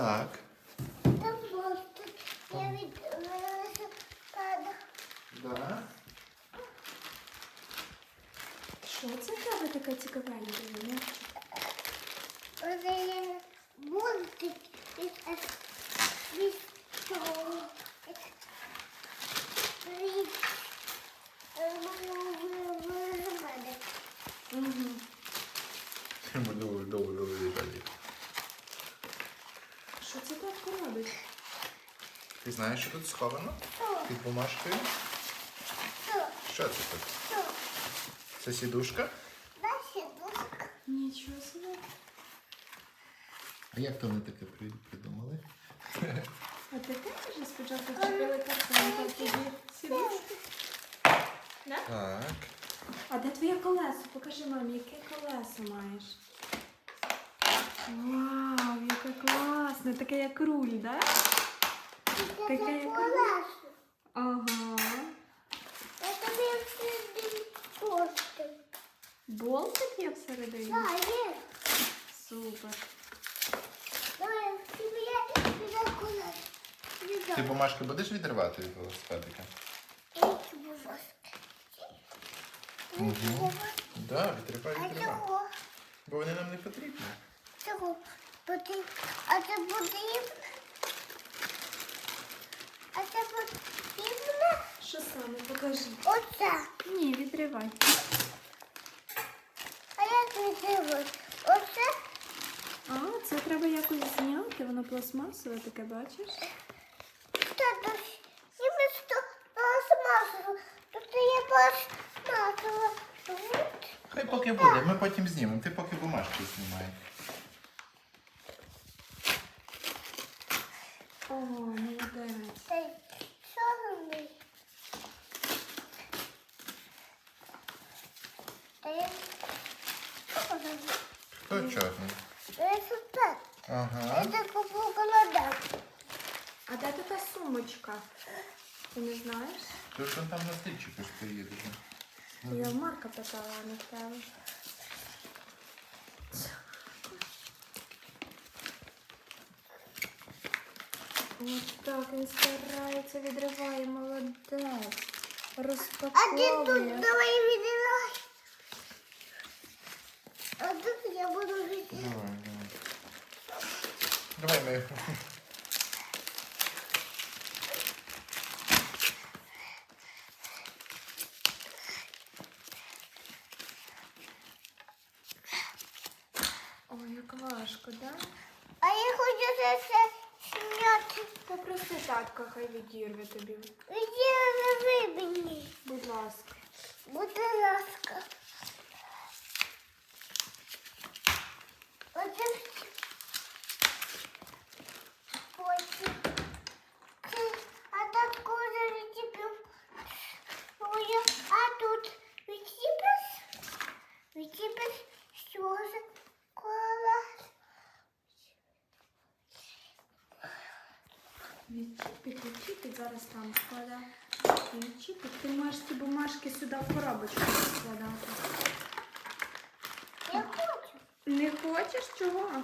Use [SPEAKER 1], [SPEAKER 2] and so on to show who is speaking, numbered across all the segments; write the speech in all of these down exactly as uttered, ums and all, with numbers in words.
[SPEAKER 1] Так.
[SPEAKER 2] Там мостик. Я від велосипеда.
[SPEAKER 1] Да.
[SPEAKER 3] Що це в тебе таке цікавеньке? Ні?
[SPEAKER 2] Оце є мостик від від цього. Від велосипеда.
[SPEAKER 3] Угу.
[SPEAKER 1] Довго, довго, довго лежать.
[SPEAKER 3] Що це татко робить?
[SPEAKER 1] Ти знаєш, що тут сховано?
[SPEAKER 2] Що?
[SPEAKER 1] Під бумажкою?
[SPEAKER 2] Що?
[SPEAKER 1] Що це тут?
[SPEAKER 2] Що?
[SPEAKER 1] Це сідушка?
[SPEAKER 2] Дальше дошка.
[SPEAKER 3] Нічого собі.
[SPEAKER 1] А як то вони таке при- придумали?
[SPEAKER 3] А ти теж вже спочатку вчепили картонку, а тоді сідушку? Да?
[SPEAKER 1] Так.
[SPEAKER 3] А де твоє колесо? Покажи мамі, яке колесо маєш. Вау, яке класне. Таке як руль, да?
[SPEAKER 2] Це
[SPEAKER 3] Таке як руль.
[SPEAKER 2] колесо.
[SPEAKER 3] Ага.
[SPEAKER 2] Я тобі всюди кошти.
[SPEAKER 3] Болтик є всередині?
[SPEAKER 2] Так, є.
[SPEAKER 3] Супер.
[SPEAKER 2] Давай, тобі я віддам колесо.
[SPEAKER 1] Ти бумажки будеш відривати від велосипедика?
[SPEAKER 2] Які бумажки?
[SPEAKER 1] Угу. Так, відривай,
[SPEAKER 2] А
[SPEAKER 1] відривай.
[SPEAKER 2] чого?
[SPEAKER 1] Бо вони нам не потрібні.
[SPEAKER 2] Чого? Потрібно. А це потрібно? А це потрібно?
[SPEAKER 3] Що саме? Покажи.
[SPEAKER 2] Оце.
[SPEAKER 3] Ні, відривай.
[SPEAKER 2] А як відривати? Оце?
[SPEAKER 3] А, це треба якось зняти. Воно пластмасове таке, бачиш?
[SPEAKER 2] Тато, ніби сто пластмасово. Тут є пластмасово. Тут.
[SPEAKER 1] Хай поки буде, ми потім знімемо. Ти поки бумажки знімай.
[SPEAKER 3] О, молодець.
[SPEAKER 2] Та й чорний. Та й чорний.
[SPEAKER 1] Хто чорний?
[SPEAKER 2] Велосипед.
[SPEAKER 1] Ага.
[SPEAKER 2] Я таку покладав.
[SPEAKER 3] А де така сумочка? Ти не знаєш?
[SPEAKER 1] Ти ж там на стільчику стоїть вже.
[SPEAKER 3] Я в Марка питала, а не в тебе. Ось так він старається, відриває, молодець.
[SPEAKER 2] А ти тут
[SPEAKER 3] Розпаковує.
[SPEAKER 2] давай відривай. А тут я буду жити.
[SPEAKER 1] Давай, давай. Давай ми.
[SPEAKER 3] Ой, як важко, да?
[SPEAKER 2] А я хочу це все зняти.
[SPEAKER 3] Попроси татка, хай відірве тобі.
[SPEAKER 2] Відірви мені.
[SPEAKER 3] Будь ласка.
[SPEAKER 2] Будь ласка. Оце все. Потім. Це, а так кожа відчіпив. Ой, а тут відчіпиш? Відчіпиш, що ж? Колес.
[SPEAKER 3] Відчіпить, відчіпить, зараз там складав. Відчіпить. Ти можеш ці бумажки сюди в коробочку складати.
[SPEAKER 2] Я хочу.
[SPEAKER 3] Не хочеш чого?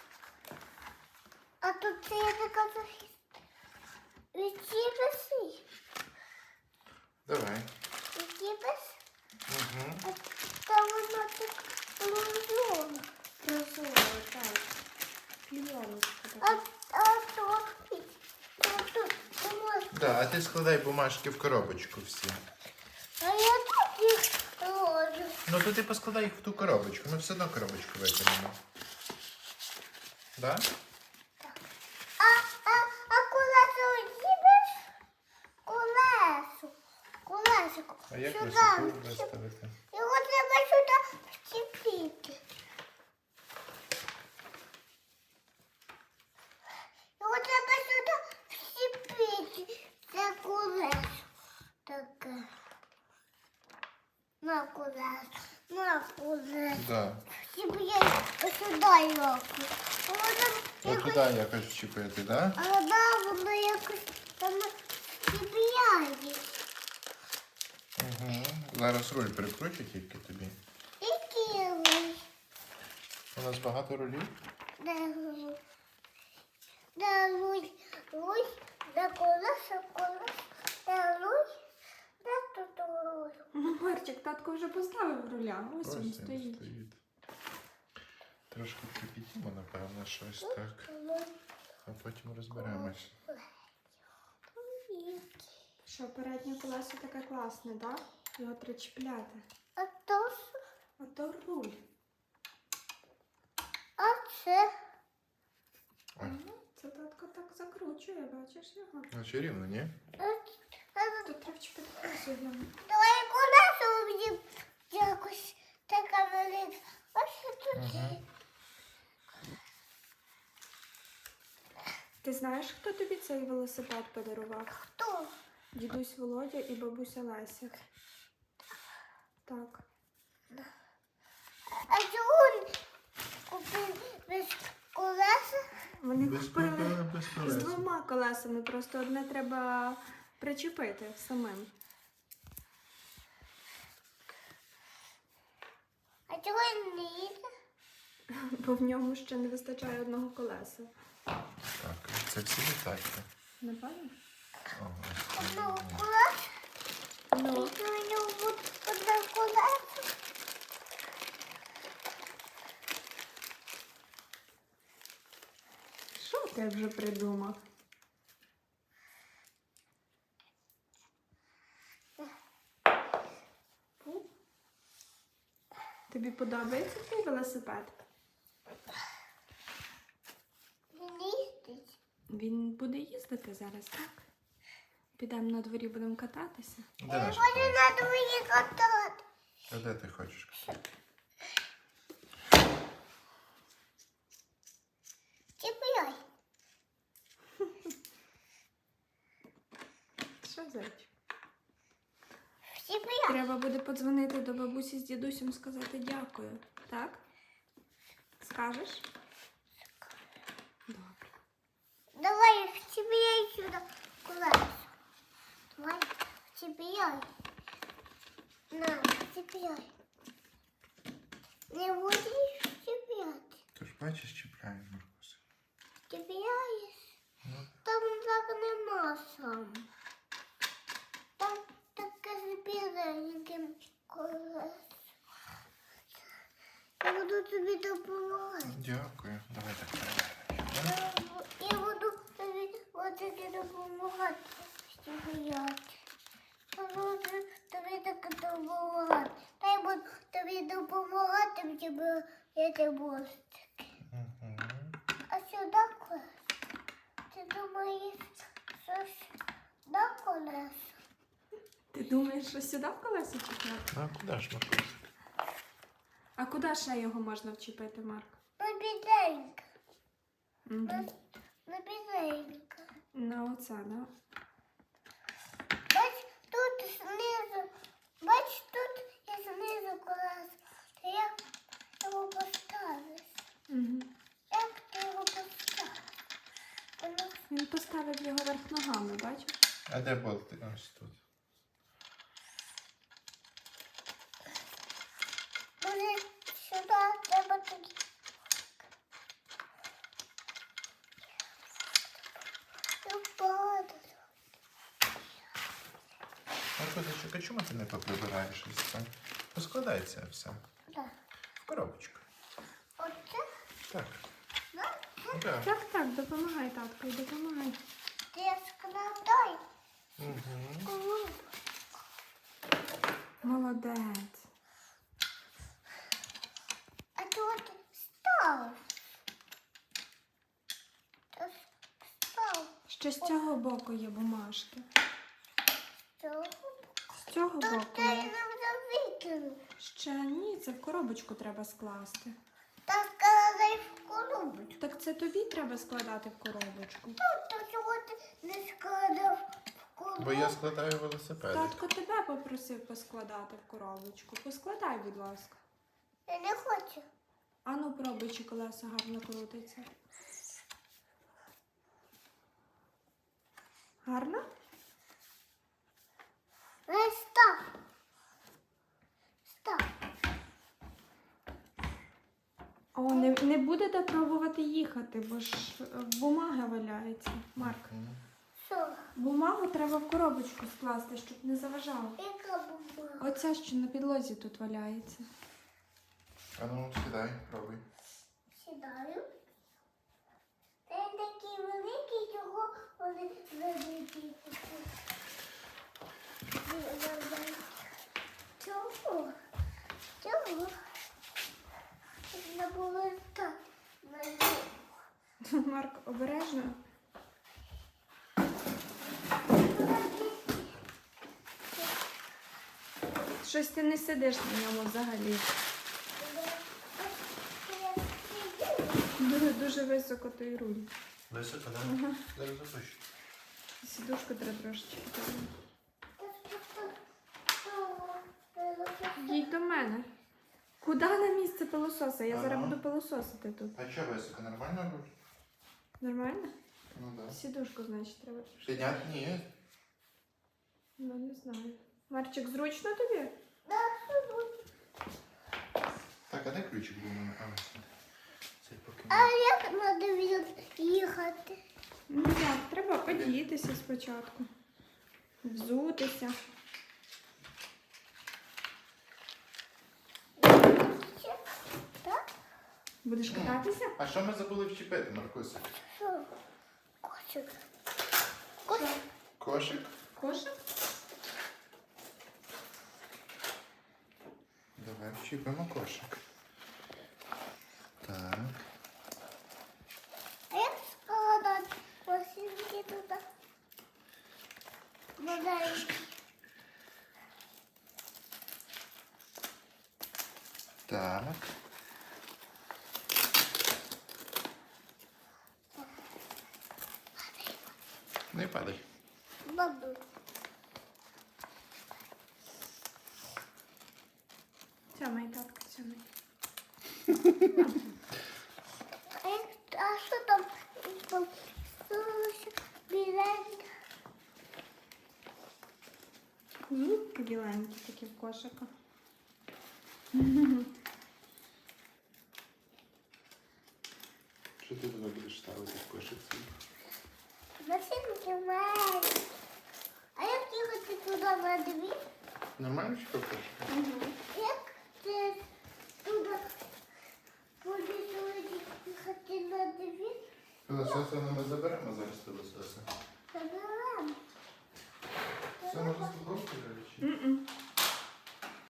[SPEAKER 2] А тут це я така захист. Відчіпиш?
[SPEAKER 1] Давай.
[SPEAKER 2] Відчіпиш?
[SPEAKER 1] Угу.
[SPEAKER 2] А там воно так прозоро.
[SPEAKER 3] Прозоро, так. Клієночка
[SPEAKER 2] А,
[SPEAKER 3] така.
[SPEAKER 2] а то, то тут ти можеш.
[SPEAKER 1] Да, а ти складай бумажки в коробочку всі.
[SPEAKER 2] А я тут їх ложу.
[SPEAKER 1] Ну то ти поскладай їх в ту коробочку. Ми все одно коробочку витягнемо. Да?
[SPEAKER 2] А, а, а колесо відчіпиш? Колесо. Колесико.
[SPEAKER 1] А як
[SPEAKER 2] Сюди
[SPEAKER 1] високо
[SPEAKER 2] відчіп-
[SPEAKER 1] виставити?
[SPEAKER 2] Його треба сюди вчепити. Його треба сюди вчепити. Це колесо таке. На колесо, на колесо.
[SPEAKER 1] Да.
[SPEAKER 2] Вчепляй сюди його. Воно
[SPEAKER 1] От туди
[SPEAKER 2] якось,
[SPEAKER 1] якось вчепити, да?
[SPEAKER 2] а да, воно якось там вчепляє.
[SPEAKER 1] Угу. Зараз руль прикручу тільки тобі.
[SPEAKER 2] Який ви?
[SPEAKER 1] У нас багато рулів.
[SPEAKER 2] Де ви? де луй, луй, де колеса, колеса, де луй, де тут луй.
[SPEAKER 3] Марчик, татко вже поставив руля. Ось він
[SPEAKER 1] він
[SPEAKER 3] стоїть.
[SPEAKER 1] Трошки кипітімо, напевно, щось так.
[SPEAKER 2] Луй,
[SPEAKER 1] А потім розберемось.
[SPEAKER 2] луй.
[SPEAKER 3] Що, переднє колесо таке класне, так? Його треба чіпляти.
[SPEAKER 2] А то ж,
[SPEAKER 3] А то руль.
[SPEAKER 2] а це,
[SPEAKER 1] Ой,
[SPEAKER 3] Ну, це татко так закручує, бачиш його.
[SPEAKER 1] наче рівно, ні?
[SPEAKER 2] а, а,
[SPEAKER 3] Тут треба чіпити колесо глянути.
[SPEAKER 2] давай колеса мені якось така велика. Ось тут
[SPEAKER 1] Ага.
[SPEAKER 2] є.
[SPEAKER 3] Ти знаєш, хто тобі цей велосипед подарував?
[SPEAKER 2] Хто?
[SPEAKER 3] Дідусь Володя і бабуся Леся. Так.
[SPEAKER 2] А чого він купив без колеса?
[SPEAKER 3] Вони
[SPEAKER 1] Без
[SPEAKER 3] купили
[SPEAKER 1] проблем, без
[SPEAKER 3] з
[SPEAKER 1] колес.
[SPEAKER 3] двома колесами, просто одне треба причепити самим.
[SPEAKER 2] А чого він не їде?
[SPEAKER 3] Бо в ньому ще не вистачає одного колеса.
[SPEAKER 1] Так, це всі детальки.
[SPEAKER 3] Напевно?
[SPEAKER 1] Ага.
[SPEAKER 2] Одного колеса?
[SPEAKER 3] Ну,
[SPEAKER 2] І у нього буде одне колесо.
[SPEAKER 3] що ти вже придумав? Фу. Тобі подобається твій велосипед?
[SPEAKER 2] Він їздить.
[SPEAKER 3] Він буде їздити зараз, так? Підемо на дворі, будемо кататися.
[SPEAKER 1] Де
[SPEAKER 2] Я
[SPEAKER 1] наш
[SPEAKER 2] хочу
[SPEAKER 1] колес?
[SPEAKER 2] на двоє катати.
[SPEAKER 1] А де ти хочеш?
[SPEAKER 2] Чіпляй.
[SPEAKER 3] Що, зайчик?
[SPEAKER 2] Чіпляй.
[SPEAKER 3] Треба буде подзвонити до бабусі з дідусем, сказати дякую, так? Скажеш? Добре.
[SPEAKER 2] Давай чіпляй сюди колесо. Давай чіпляй. На, чіпляй. Не будеш чіпляти.
[SPEAKER 1] Ти ж бачиш, чіпляє Маркус.
[SPEAKER 2] Чіпляєш.
[SPEAKER 1] Ну,
[SPEAKER 2] Там так нема сам. Там таке з біленьким колесом. Я буду тобі допомагати.
[SPEAKER 1] дякую. Давай так перевіримо.
[SPEAKER 2] Я бу- Я буду тобі отаки допомагати. Чіпляти. Я буду тобі так допомагати. Та я буду тобі допомагати, щоб я тебе мостик.
[SPEAKER 1] Угу.
[SPEAKER 2] А сюди колесо? Ти думаєш, що сюди колесо?
[SPEAKER 3] Ти думаєш, що сюди в колесо чіпляти?
[SPEAKER 1] А куди ж Маркус?
[SPEAKER 3] А куди ще його можна вчепити, Марк?
[SPEAKER 2] На біденька.
[SPEAKER 3] Мгм.
[SPEAKER 2] На, на біденька.
[SPEAKER 3] На оце, да?
[SPEAKER 2] Бач, тут знизу. Бач, тут і знизу колесо. Та як його поставиш?
[SPEAKER 3] Угу.
[SPEAKER 2] Як ти його поставиш? Воно
[SPEAKER 3] Він поставив його верх ногами, бачиш?
[SPEAKER 1] А де болти? Ось тут.
[SPEAKER 2] буде сюди, треба тоді. Падає.
[SPEAKER 1] Маркусичок, а чому ти не поприбираєш ось це? Поскладається все.
[SPEAKER 2] Так.
[SPEAKER 1] В коробочку.
[SPEAKER 2] Оце?
[SPEAKER 1] Так.
[SPEAKER 2] Так.
[SPEAKER 1] Так.
[SPEAKER 3] Так, так, допомагай, татко, допомагай.
[SPEAKER 2] Ти складай.
[SPEAKER 1] Угу.
[SPEAKER 3] Молодець.
[SPEAKER 2] А тут став. Тут став.
[SPEAKER 3] Ще з цього боку є бумажки.
[SPEAKER 2] Тут.
[SPEAKER 3] З цього
[SPEAKER 2] Тут
[SPEAKER 3] боку
[SPEAKER 2] ти
[SPEAKER 3] є.
[SPEAKER 2] нам вже викинув.
[SPEAKER 3] Ще ні, це в коробочку треба скласти.
[SPEAKER 2] Та складай в коробочку.
[SPEAKER 3] Так це тобі треба складати в коробочку.
[SPEAKER 2] Тут, то чого ти не складав в коробочку?
[SPEAKER 1] Бо я складаю велосипеди.
[SPEAKER 3] Татко тебе попросив поскладати в коробочку. Поскладай, будь ласка.
[SPEAKER 2] Я не хочу.
[SPEAKER 3] Ану, пробуй, чи колеса гарно крутиться. Гарно?
[SPEAKER 2] Не став. Став.
[SPEAKER 3] О, не, Не будете пробувати їхати, бо ж е, бумага валяється. Марк,
[SPEAKER 1] Мгм.
[SPEAKER 2] Що?
[SPEAKER 3] бумагу треба в коробочку скласти, щоб не заважало.
[SPEAKER 2] Яка бумага?
[SPEAKER 3] Оця, що на підлозі тут валяється.
[SPEAKER 1] А ну, сідай, пробуй.
[SPEAKER 2] Сідаю. Він такий великий, чого вони великі. Чого? Чого? Не було так.
[SPEAKER 3] Марк, обережно. Щось ти не сидиш на ньому взагалі. Дуже, дуже високо той руль.
[SPEAKER 1] Високо, так?
[SPEAKER 3] Ага.
[SPEAKER 1] Зараз запущу.
[SPEAKER 3] Сідушку треба трошечки. Їдь до мене. Куди на місце пилососа? Я зараз
[SPEAKER 1] Ага.
[SPEAKER 3] буду пилососити тут.
[SPEAKER 1] А що високо? Нормально руль?
[SPEAKER 3] Нормально?
[SPEAKER 1] Ну так. Да.
[SPEAKER 3] Сідушку, значить, треба трошки.
[SPEAKER 1] Підняти? Ні.
[SPEAKER 3] Ну, не знаю. Марчик, зручно тобі?
[SPEAKER 1] Так, а де ключик був у мене? А, ось. Цей поки.
[SPEAKER 2] А як треба їхати?
[SPEAKER 3] Ну як, треба подіятися спочатку. Взутися.
[SPEAKER 2] Так?
[SPEAKER 3] Будеш кататися?
[SPEAKER 1] А що ми забули вчепити, Маркусик?
[SPEAKER 2] Що? Кошик. Кошик.
[SPEAKER 1] Кошик?
[SPEAKER 3] Кошик?
[SPEAKER 1] Давай вчепимо кошик. Так.
[SPEAKER 2] А як складати посілки туди? Маленькі.
[SPEAKER 1] Так. Не падай.
[SPEAKER 2] Бабу.
[SPEAKER 3] Цьомай, татка, цьомай.
[SPEAKER 2] А, як, а що там? Там що біленьке?
[SPEAKER 3] Зубки біленькі такі в кошика.
[SPEAKER 1] Що ти туди будеш ставити в кошик свій?
[SPEAKER 2] Насінки маленькі. А як їхати туди на дві?
[SPEAKER 1] Нормально вчепив кошик?
[SPEAKER 2] Як це туди буде їхати на дві?
[SPEAKER 1] Пилососа ми заберемо зараз пилососа.